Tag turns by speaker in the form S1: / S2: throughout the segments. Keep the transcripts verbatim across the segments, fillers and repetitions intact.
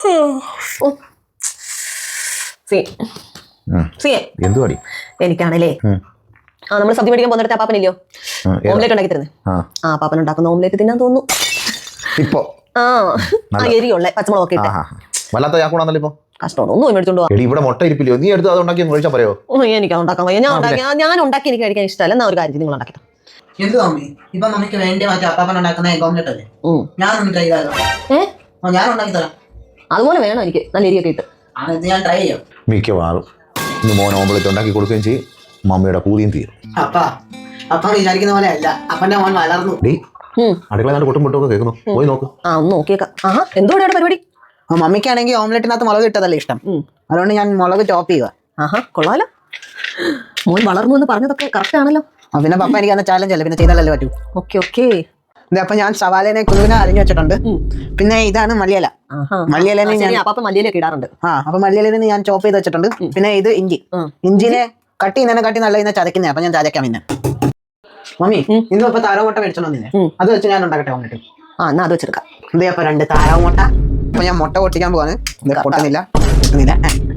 S1: എന്തുവാടി
S2: എനിക്കാണല്ലേ ആ നമ്മൾ സദ്യ മേടിക്കാൻ പോകുന്നിടത്ത് ആ പാപ്പനില്ലയോ ഓംലേറ്റ് ഉണ്ടാക്കി തരുന്നത് ആ പാപ്പൻ ഉണ്ടാക്കുന്ന ഓംലേറ്റ് തിന്നാൻ തോന്നുന്നു
S1: ഇപ്പൊ
S2: ആ എരിയുള്ള പച്ചമുളകൊക്കെ ഇട്ട്
S1: വല്ലാത്ത ചാക്കൂടാന്നല്ലോ ഇപ്പൊ
S2: കഷ്ടമാണ് ഒന്നും മേടിച്ചോണ്ട്
S1: പോവാ ഇവിടെ മുട്ട ഇരിപ്പില്ലയോ നീ എടുത്ത് അത് ഉണ്ടാക്കി കഴിച്ചാൽ പറയോ
S2: എനിക്ക് ഉണ്ടാക്കാൻ വയ്യ ഞാൻ ഉണ്ടാക്കി ഞാൻ ഉണ്ടാക്കി എനിക്ക് കഴിക്കാൻ ഇഷ്ടമല്ല എന്നാ ഒരു കാര്യം നിങ്ങൾ ഉണ്ടാക്കി
S3: എന്ത് മമ്മി ഇപ്പൊ മമ്മിക്ക് വേണ്ടി മറ്റേ അപ്പാപ്പൻ ഉണ്ടാക്കുന്ന എഗ് ഓംലെറ്റ് അല്ലേ ഞാനൊന്ന് ട്രൈ ചെയ്താലോ
S2: ഏഹ്
S3: ഞാൻ ഉണ്ടാക്കി തരാം
S2: അതുപോലെ വേണം എനിക്ക് നല്ല എരിയൊക്കെ ഇട്ട്
S3: അത് ഞാൻ ട്രൈ ചെയ്യാം
S1: മിക്കവാറും ഇന്ന് മോൻ ഓംലെറ്റ് ഉണ്ടാക്കി കൊടുക്കുകയും ചെയ്യും മമ്മിയുടെ കൂതിയും തീരും
S3: അപ്പാ അപ്പ വിചാരിക്കുന്ന പോലെ അല്ല അപ്പന്റെ മോൻ വളർന്നു
S1: അടുക്കള നാട് കൊട്ടും പൊട്ടൊക്കെ കേൾക്കുന്നു പോയി നോക്ക്
S2: ആ ഒന്ന് നോക്കിയേക്കാം ആഹാ എന്തുകൂടെയാണ് പരിപാടി
S3: മമ്മിക്കാണെങ്കിൽ ഓംലെറ്റിനകത്ത് മുളക് ഇട്ടതല്ലേ ഇഷ്ടം അതുകൊണ്ട് ഞാൻ മുളക് ചോപ്പ് ചെയ്യുക
S2: ആഹാ കൊള്ളാലോ മോൻ വളർന്നു എന്ന് പറഞ്ഞതൊക്കെ കറക്റ്റ് ആണല്ലോ
S3: പിന്നെ പപ്പ എനിക്ക് അന്ന് ചാലഞ്ച് അല്ലേ പിന്നെ ചെയ്താലല്ലേ പറ്റൂ
S2: ഓക്കെ ഓക്കെ
S3: അപ്പൊ ഞാൻ സവാലേനെ കുറുവിനെ അരിഞ്ഞു വെച്ചിട്ടുണ്ട് പിന്നെ ഇതാണ് മല്ലിയില മല്ലിയിലേനെ ഞാൻ
S2: മല്ലിയിലൊക്കെ ഇടാറുണ്ട് ആ
S3: അപ്പൊ മല്ലിയിലേനെ ഞാൻ ചോപ്പ് ചെയ്ത് വെച്ചിട്ടുണ്ട് പിന്നെ ഇത് ഇഞ്ചി ഇഞ്ചിനെ കട്ടി ഇന്നെ കട്ടി നല്ല ഇന്നെ ചതക്കുന്നേ അപ്പൊ ഞാൻ ചതയ്ക്കാം പിന്നെ മമ്മി ഇന്നും ഇപ്പൊ താറാമുട്ട മേടിച്ചോണ്ടില്ലേ അത് വെച്ച് ഞാൻ ഉണ്ടാക്കട്ടെ ഓംലെറ്റ്
S2: ആ എന്നാ അത് വെച്ചെടുക്കാം
S3: ഇതേ അപ്പൊ രണ്ട് താറാമുട്ട അപ്പൊ ഞാൻ മുട്ട പൊട്ടിക്കാൻ പോവാണ് പൊട്ടുന്നില്ല പൊട്ടുന്നില്ല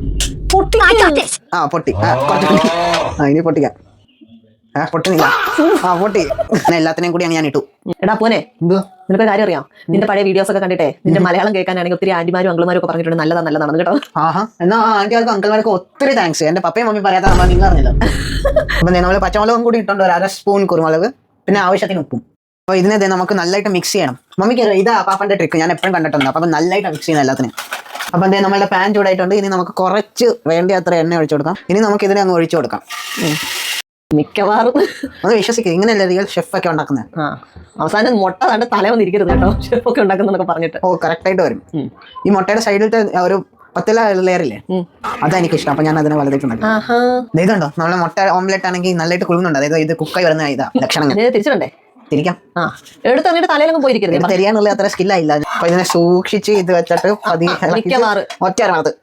S3: ആ പൊട്ടി ആ ഇനി പൊട്ടിക്കാം ആ പൊട്ടുന്നില്ല ആ പൊട്ടി എല്ലാത്തിനെയും കൂടിയാണ് ഞാൻ ഇട്ടു
S2: എടാ പോനെ നിനക്ക് കാര്യം അറിയാം നിന്റെ പഴയ വീഡിയോസ് ഒക്കെ കണ്ടിട്ടേ നിന്റെ മലയാളം കേൾക്കാനാണെങ്കിൽ ഒത്തിരി ആന്റിമാരും അങ്കിൾമാരും ഒക്കെ പറഞ്ഞിട്ടുണ്ട് നല്ലതാ നല്ലതാണ് കേട്ടോ
S3: ആഹാ എന്നാ ആന്റിമാർക്കും അങ്കിൾമാർക്കും ഒത്തിരി താങ്ക്സ് എന്റെ പപ്പയും മമ്മി പറയാത്ത നമ്മൾ നിങ്ങൾ അറിഞ്ഞല്ലോ അപ്പൊ നമ്മള് പച്ചമുളകും കൂടി ഇട്ടുണ്ട് ഒരു അര സ്പൂൺ കുരുമുളക് പിന്നെ ആവശ്യത്തിന് ഉപ്പും അപ്പൊ ഇതിനെ നമുക്ക് നല്ലതായിട്ട് മിക്സ് ചെയ്യണം മമ്മിക്ക് ഇതാ പാപ്പന്റെ ട്രിക്ക് ഞാൻ എപ്പോഴും കണ്ടിട്ടുണ്ട് അപ്പൊ നല്ലതായിട്ട് മിക്സ് ചെയ്യുന്ന എല്ലാത്തിനും അപ്പൊ എന്തേ നമ്മളുടെ പാൻ ചൂടായിട്ടുണ്ട് ഇനി നമുക്ക് കുറച്ച് വേണ്ടി അത്ര എണ്ണ ഒഴിച്ചു കൊടുക്കാം ഇനി നമുക്ക് ഇതിനെ അങ്ങ് ഒഴിച്ചു കൊടുക്കാം
S2: മിക്കവാറും
S3: അത് വിശ്വസിക്കുക ഇങ്ങനെയല്ലേ റിയൽ ഷെഫ് ഒക്കെ ഉണ്ടാക്കുന്നത്
S2: ആ അവസാനം മുട്ട കണ്ട് തല വന്ന് ഇരിക്കരുത് കേട്ടോ ഷെഫ് ഒക്കെ ഉണ്ടാക്കുന്നൊക്കെ പറഞ്ഞിട്ട്
S3: ഓ കറക്റ്റ് ആയിട്ട് വരും ഈ മുട്ടയുടെ സൈഡിലത്തെ ഒരു പത്തില ലെയറില്ലേ അതാ എനിക്ക് ഇഷ്ടം അപ്പൊ ഞാൻ അതിനെ വലുതായിട്ടുണ്ടാക്കി ഇതുണ്ടോ നമ്മളെ മുട്ട ഓംലെറ്റ് ആണെങ്കിൽ നല്ലതായിട്ട് കുളുന്നുണ്ട് അതായത് ഇത് കുക്കായി വരുന്ന ഇതാ ലക്ഷണങ്ങൾ
S2: തിരിച്ചിട്ടുണ്ടേ
S3: തിരിക്കാം
S2: ആ എടുത്ത് എന്നിട്ട് തലയിലൊന്നും പോയിരിക്കരുത്
S3: തിരിയാനുള്ള അത്ര സ്കില്ലായില്ല അപ്പൊ ഇതിനെ സൂക്ഷിച്ച് ഇത് വെച്ചിട്ട് ഒറ്റ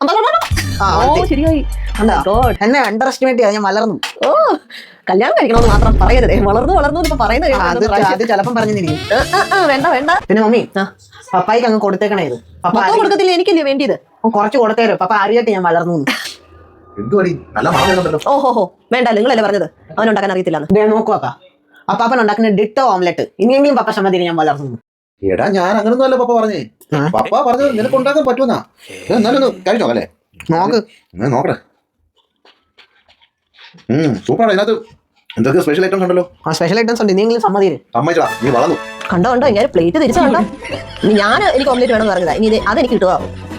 S3: എന്നെ അണ്ടർ എസ്റ്റിമേറ്റ് ചെയ്യാൻ ഞാൻ വളർന്നു
S2: ഓ കല്യാണം കഴിക്കണമെന്ന് മാത്രം പറയരുതേ വളർന്നു വളർന്നു ഇപ്പൊ പറയുന്നത്
S3: അത് ചിലപ്പം പറഞ്ഞിരിക്കും
S2: വേണ്ട വേണ്ട
S3: പിന്നെ മമ്മി പപ്പായിക്ക് അങ്ങ് കൊടുത്തേക്കണേ ഇത് പപ്പ
S2: കൊടുക്കത്തില്ല എനിക്കല്ലേ വേണ്ടിയത്
S3: കുറച്ച് കൊടുത്തേരോ പപ്പ അറിയാട്ട് ഞാൻ വളർന്നു
S2: ഓഹോ വേണ്ട നിങ്ങളല്ലേ പറഞ്ഞത് അവനുണ്ടാക്കാൻ അറിയത്തില്ല
S3: നോക്കുവാ അപ്പാപ്പൻ ഉണ്ടാക്കുന്ന ഡിട്ടോ ഓംലെറ്റ് ഇനിയെങ്കിലും പപ്പ സമ്മതിന് ഞാൻ വളർന്നു
S1: എടാ ഞാൻ അങ്ങനൊന്നും അല്ല പപ്പ പറഞ്ഞേ പപ്പ പറഞ്ഞത് നിനക്ക് ഉണ്ടാക്കാൻ പറ്റുമെന്നാ എന്നാലും കഴിഞ്ഞോ അല്ലേ
S3: നോക്ക്
S1: നോക്കട്ടെ സൂപ്പറാണ് ഇതിനകത്ത് എന്തൊക്കെ സ്പെഷ്യൽ ഐറ്റംസ് ഉണ്ടല്ലോ
S3: ആ സ്പെഷ്യൽ ഐറ്റംസ് ഉണ്ട് ഇനിയെങ്കിലും സമ്മതിന്
S1: സമ്മതിച്ചാ നീ വളർന്നു
S2: കണ്ടോ കണ്ടോ ഇങ്ങനെ പ്ലേറ്റ് തിരിച്ചു കണ്ടോ ഞാൻ എനിക്ക് ഓംലെറ്റ് വേണമെന്ന് പറഞ്ഞതാ ഇനി അതെനിക്ക് കിട്ടുക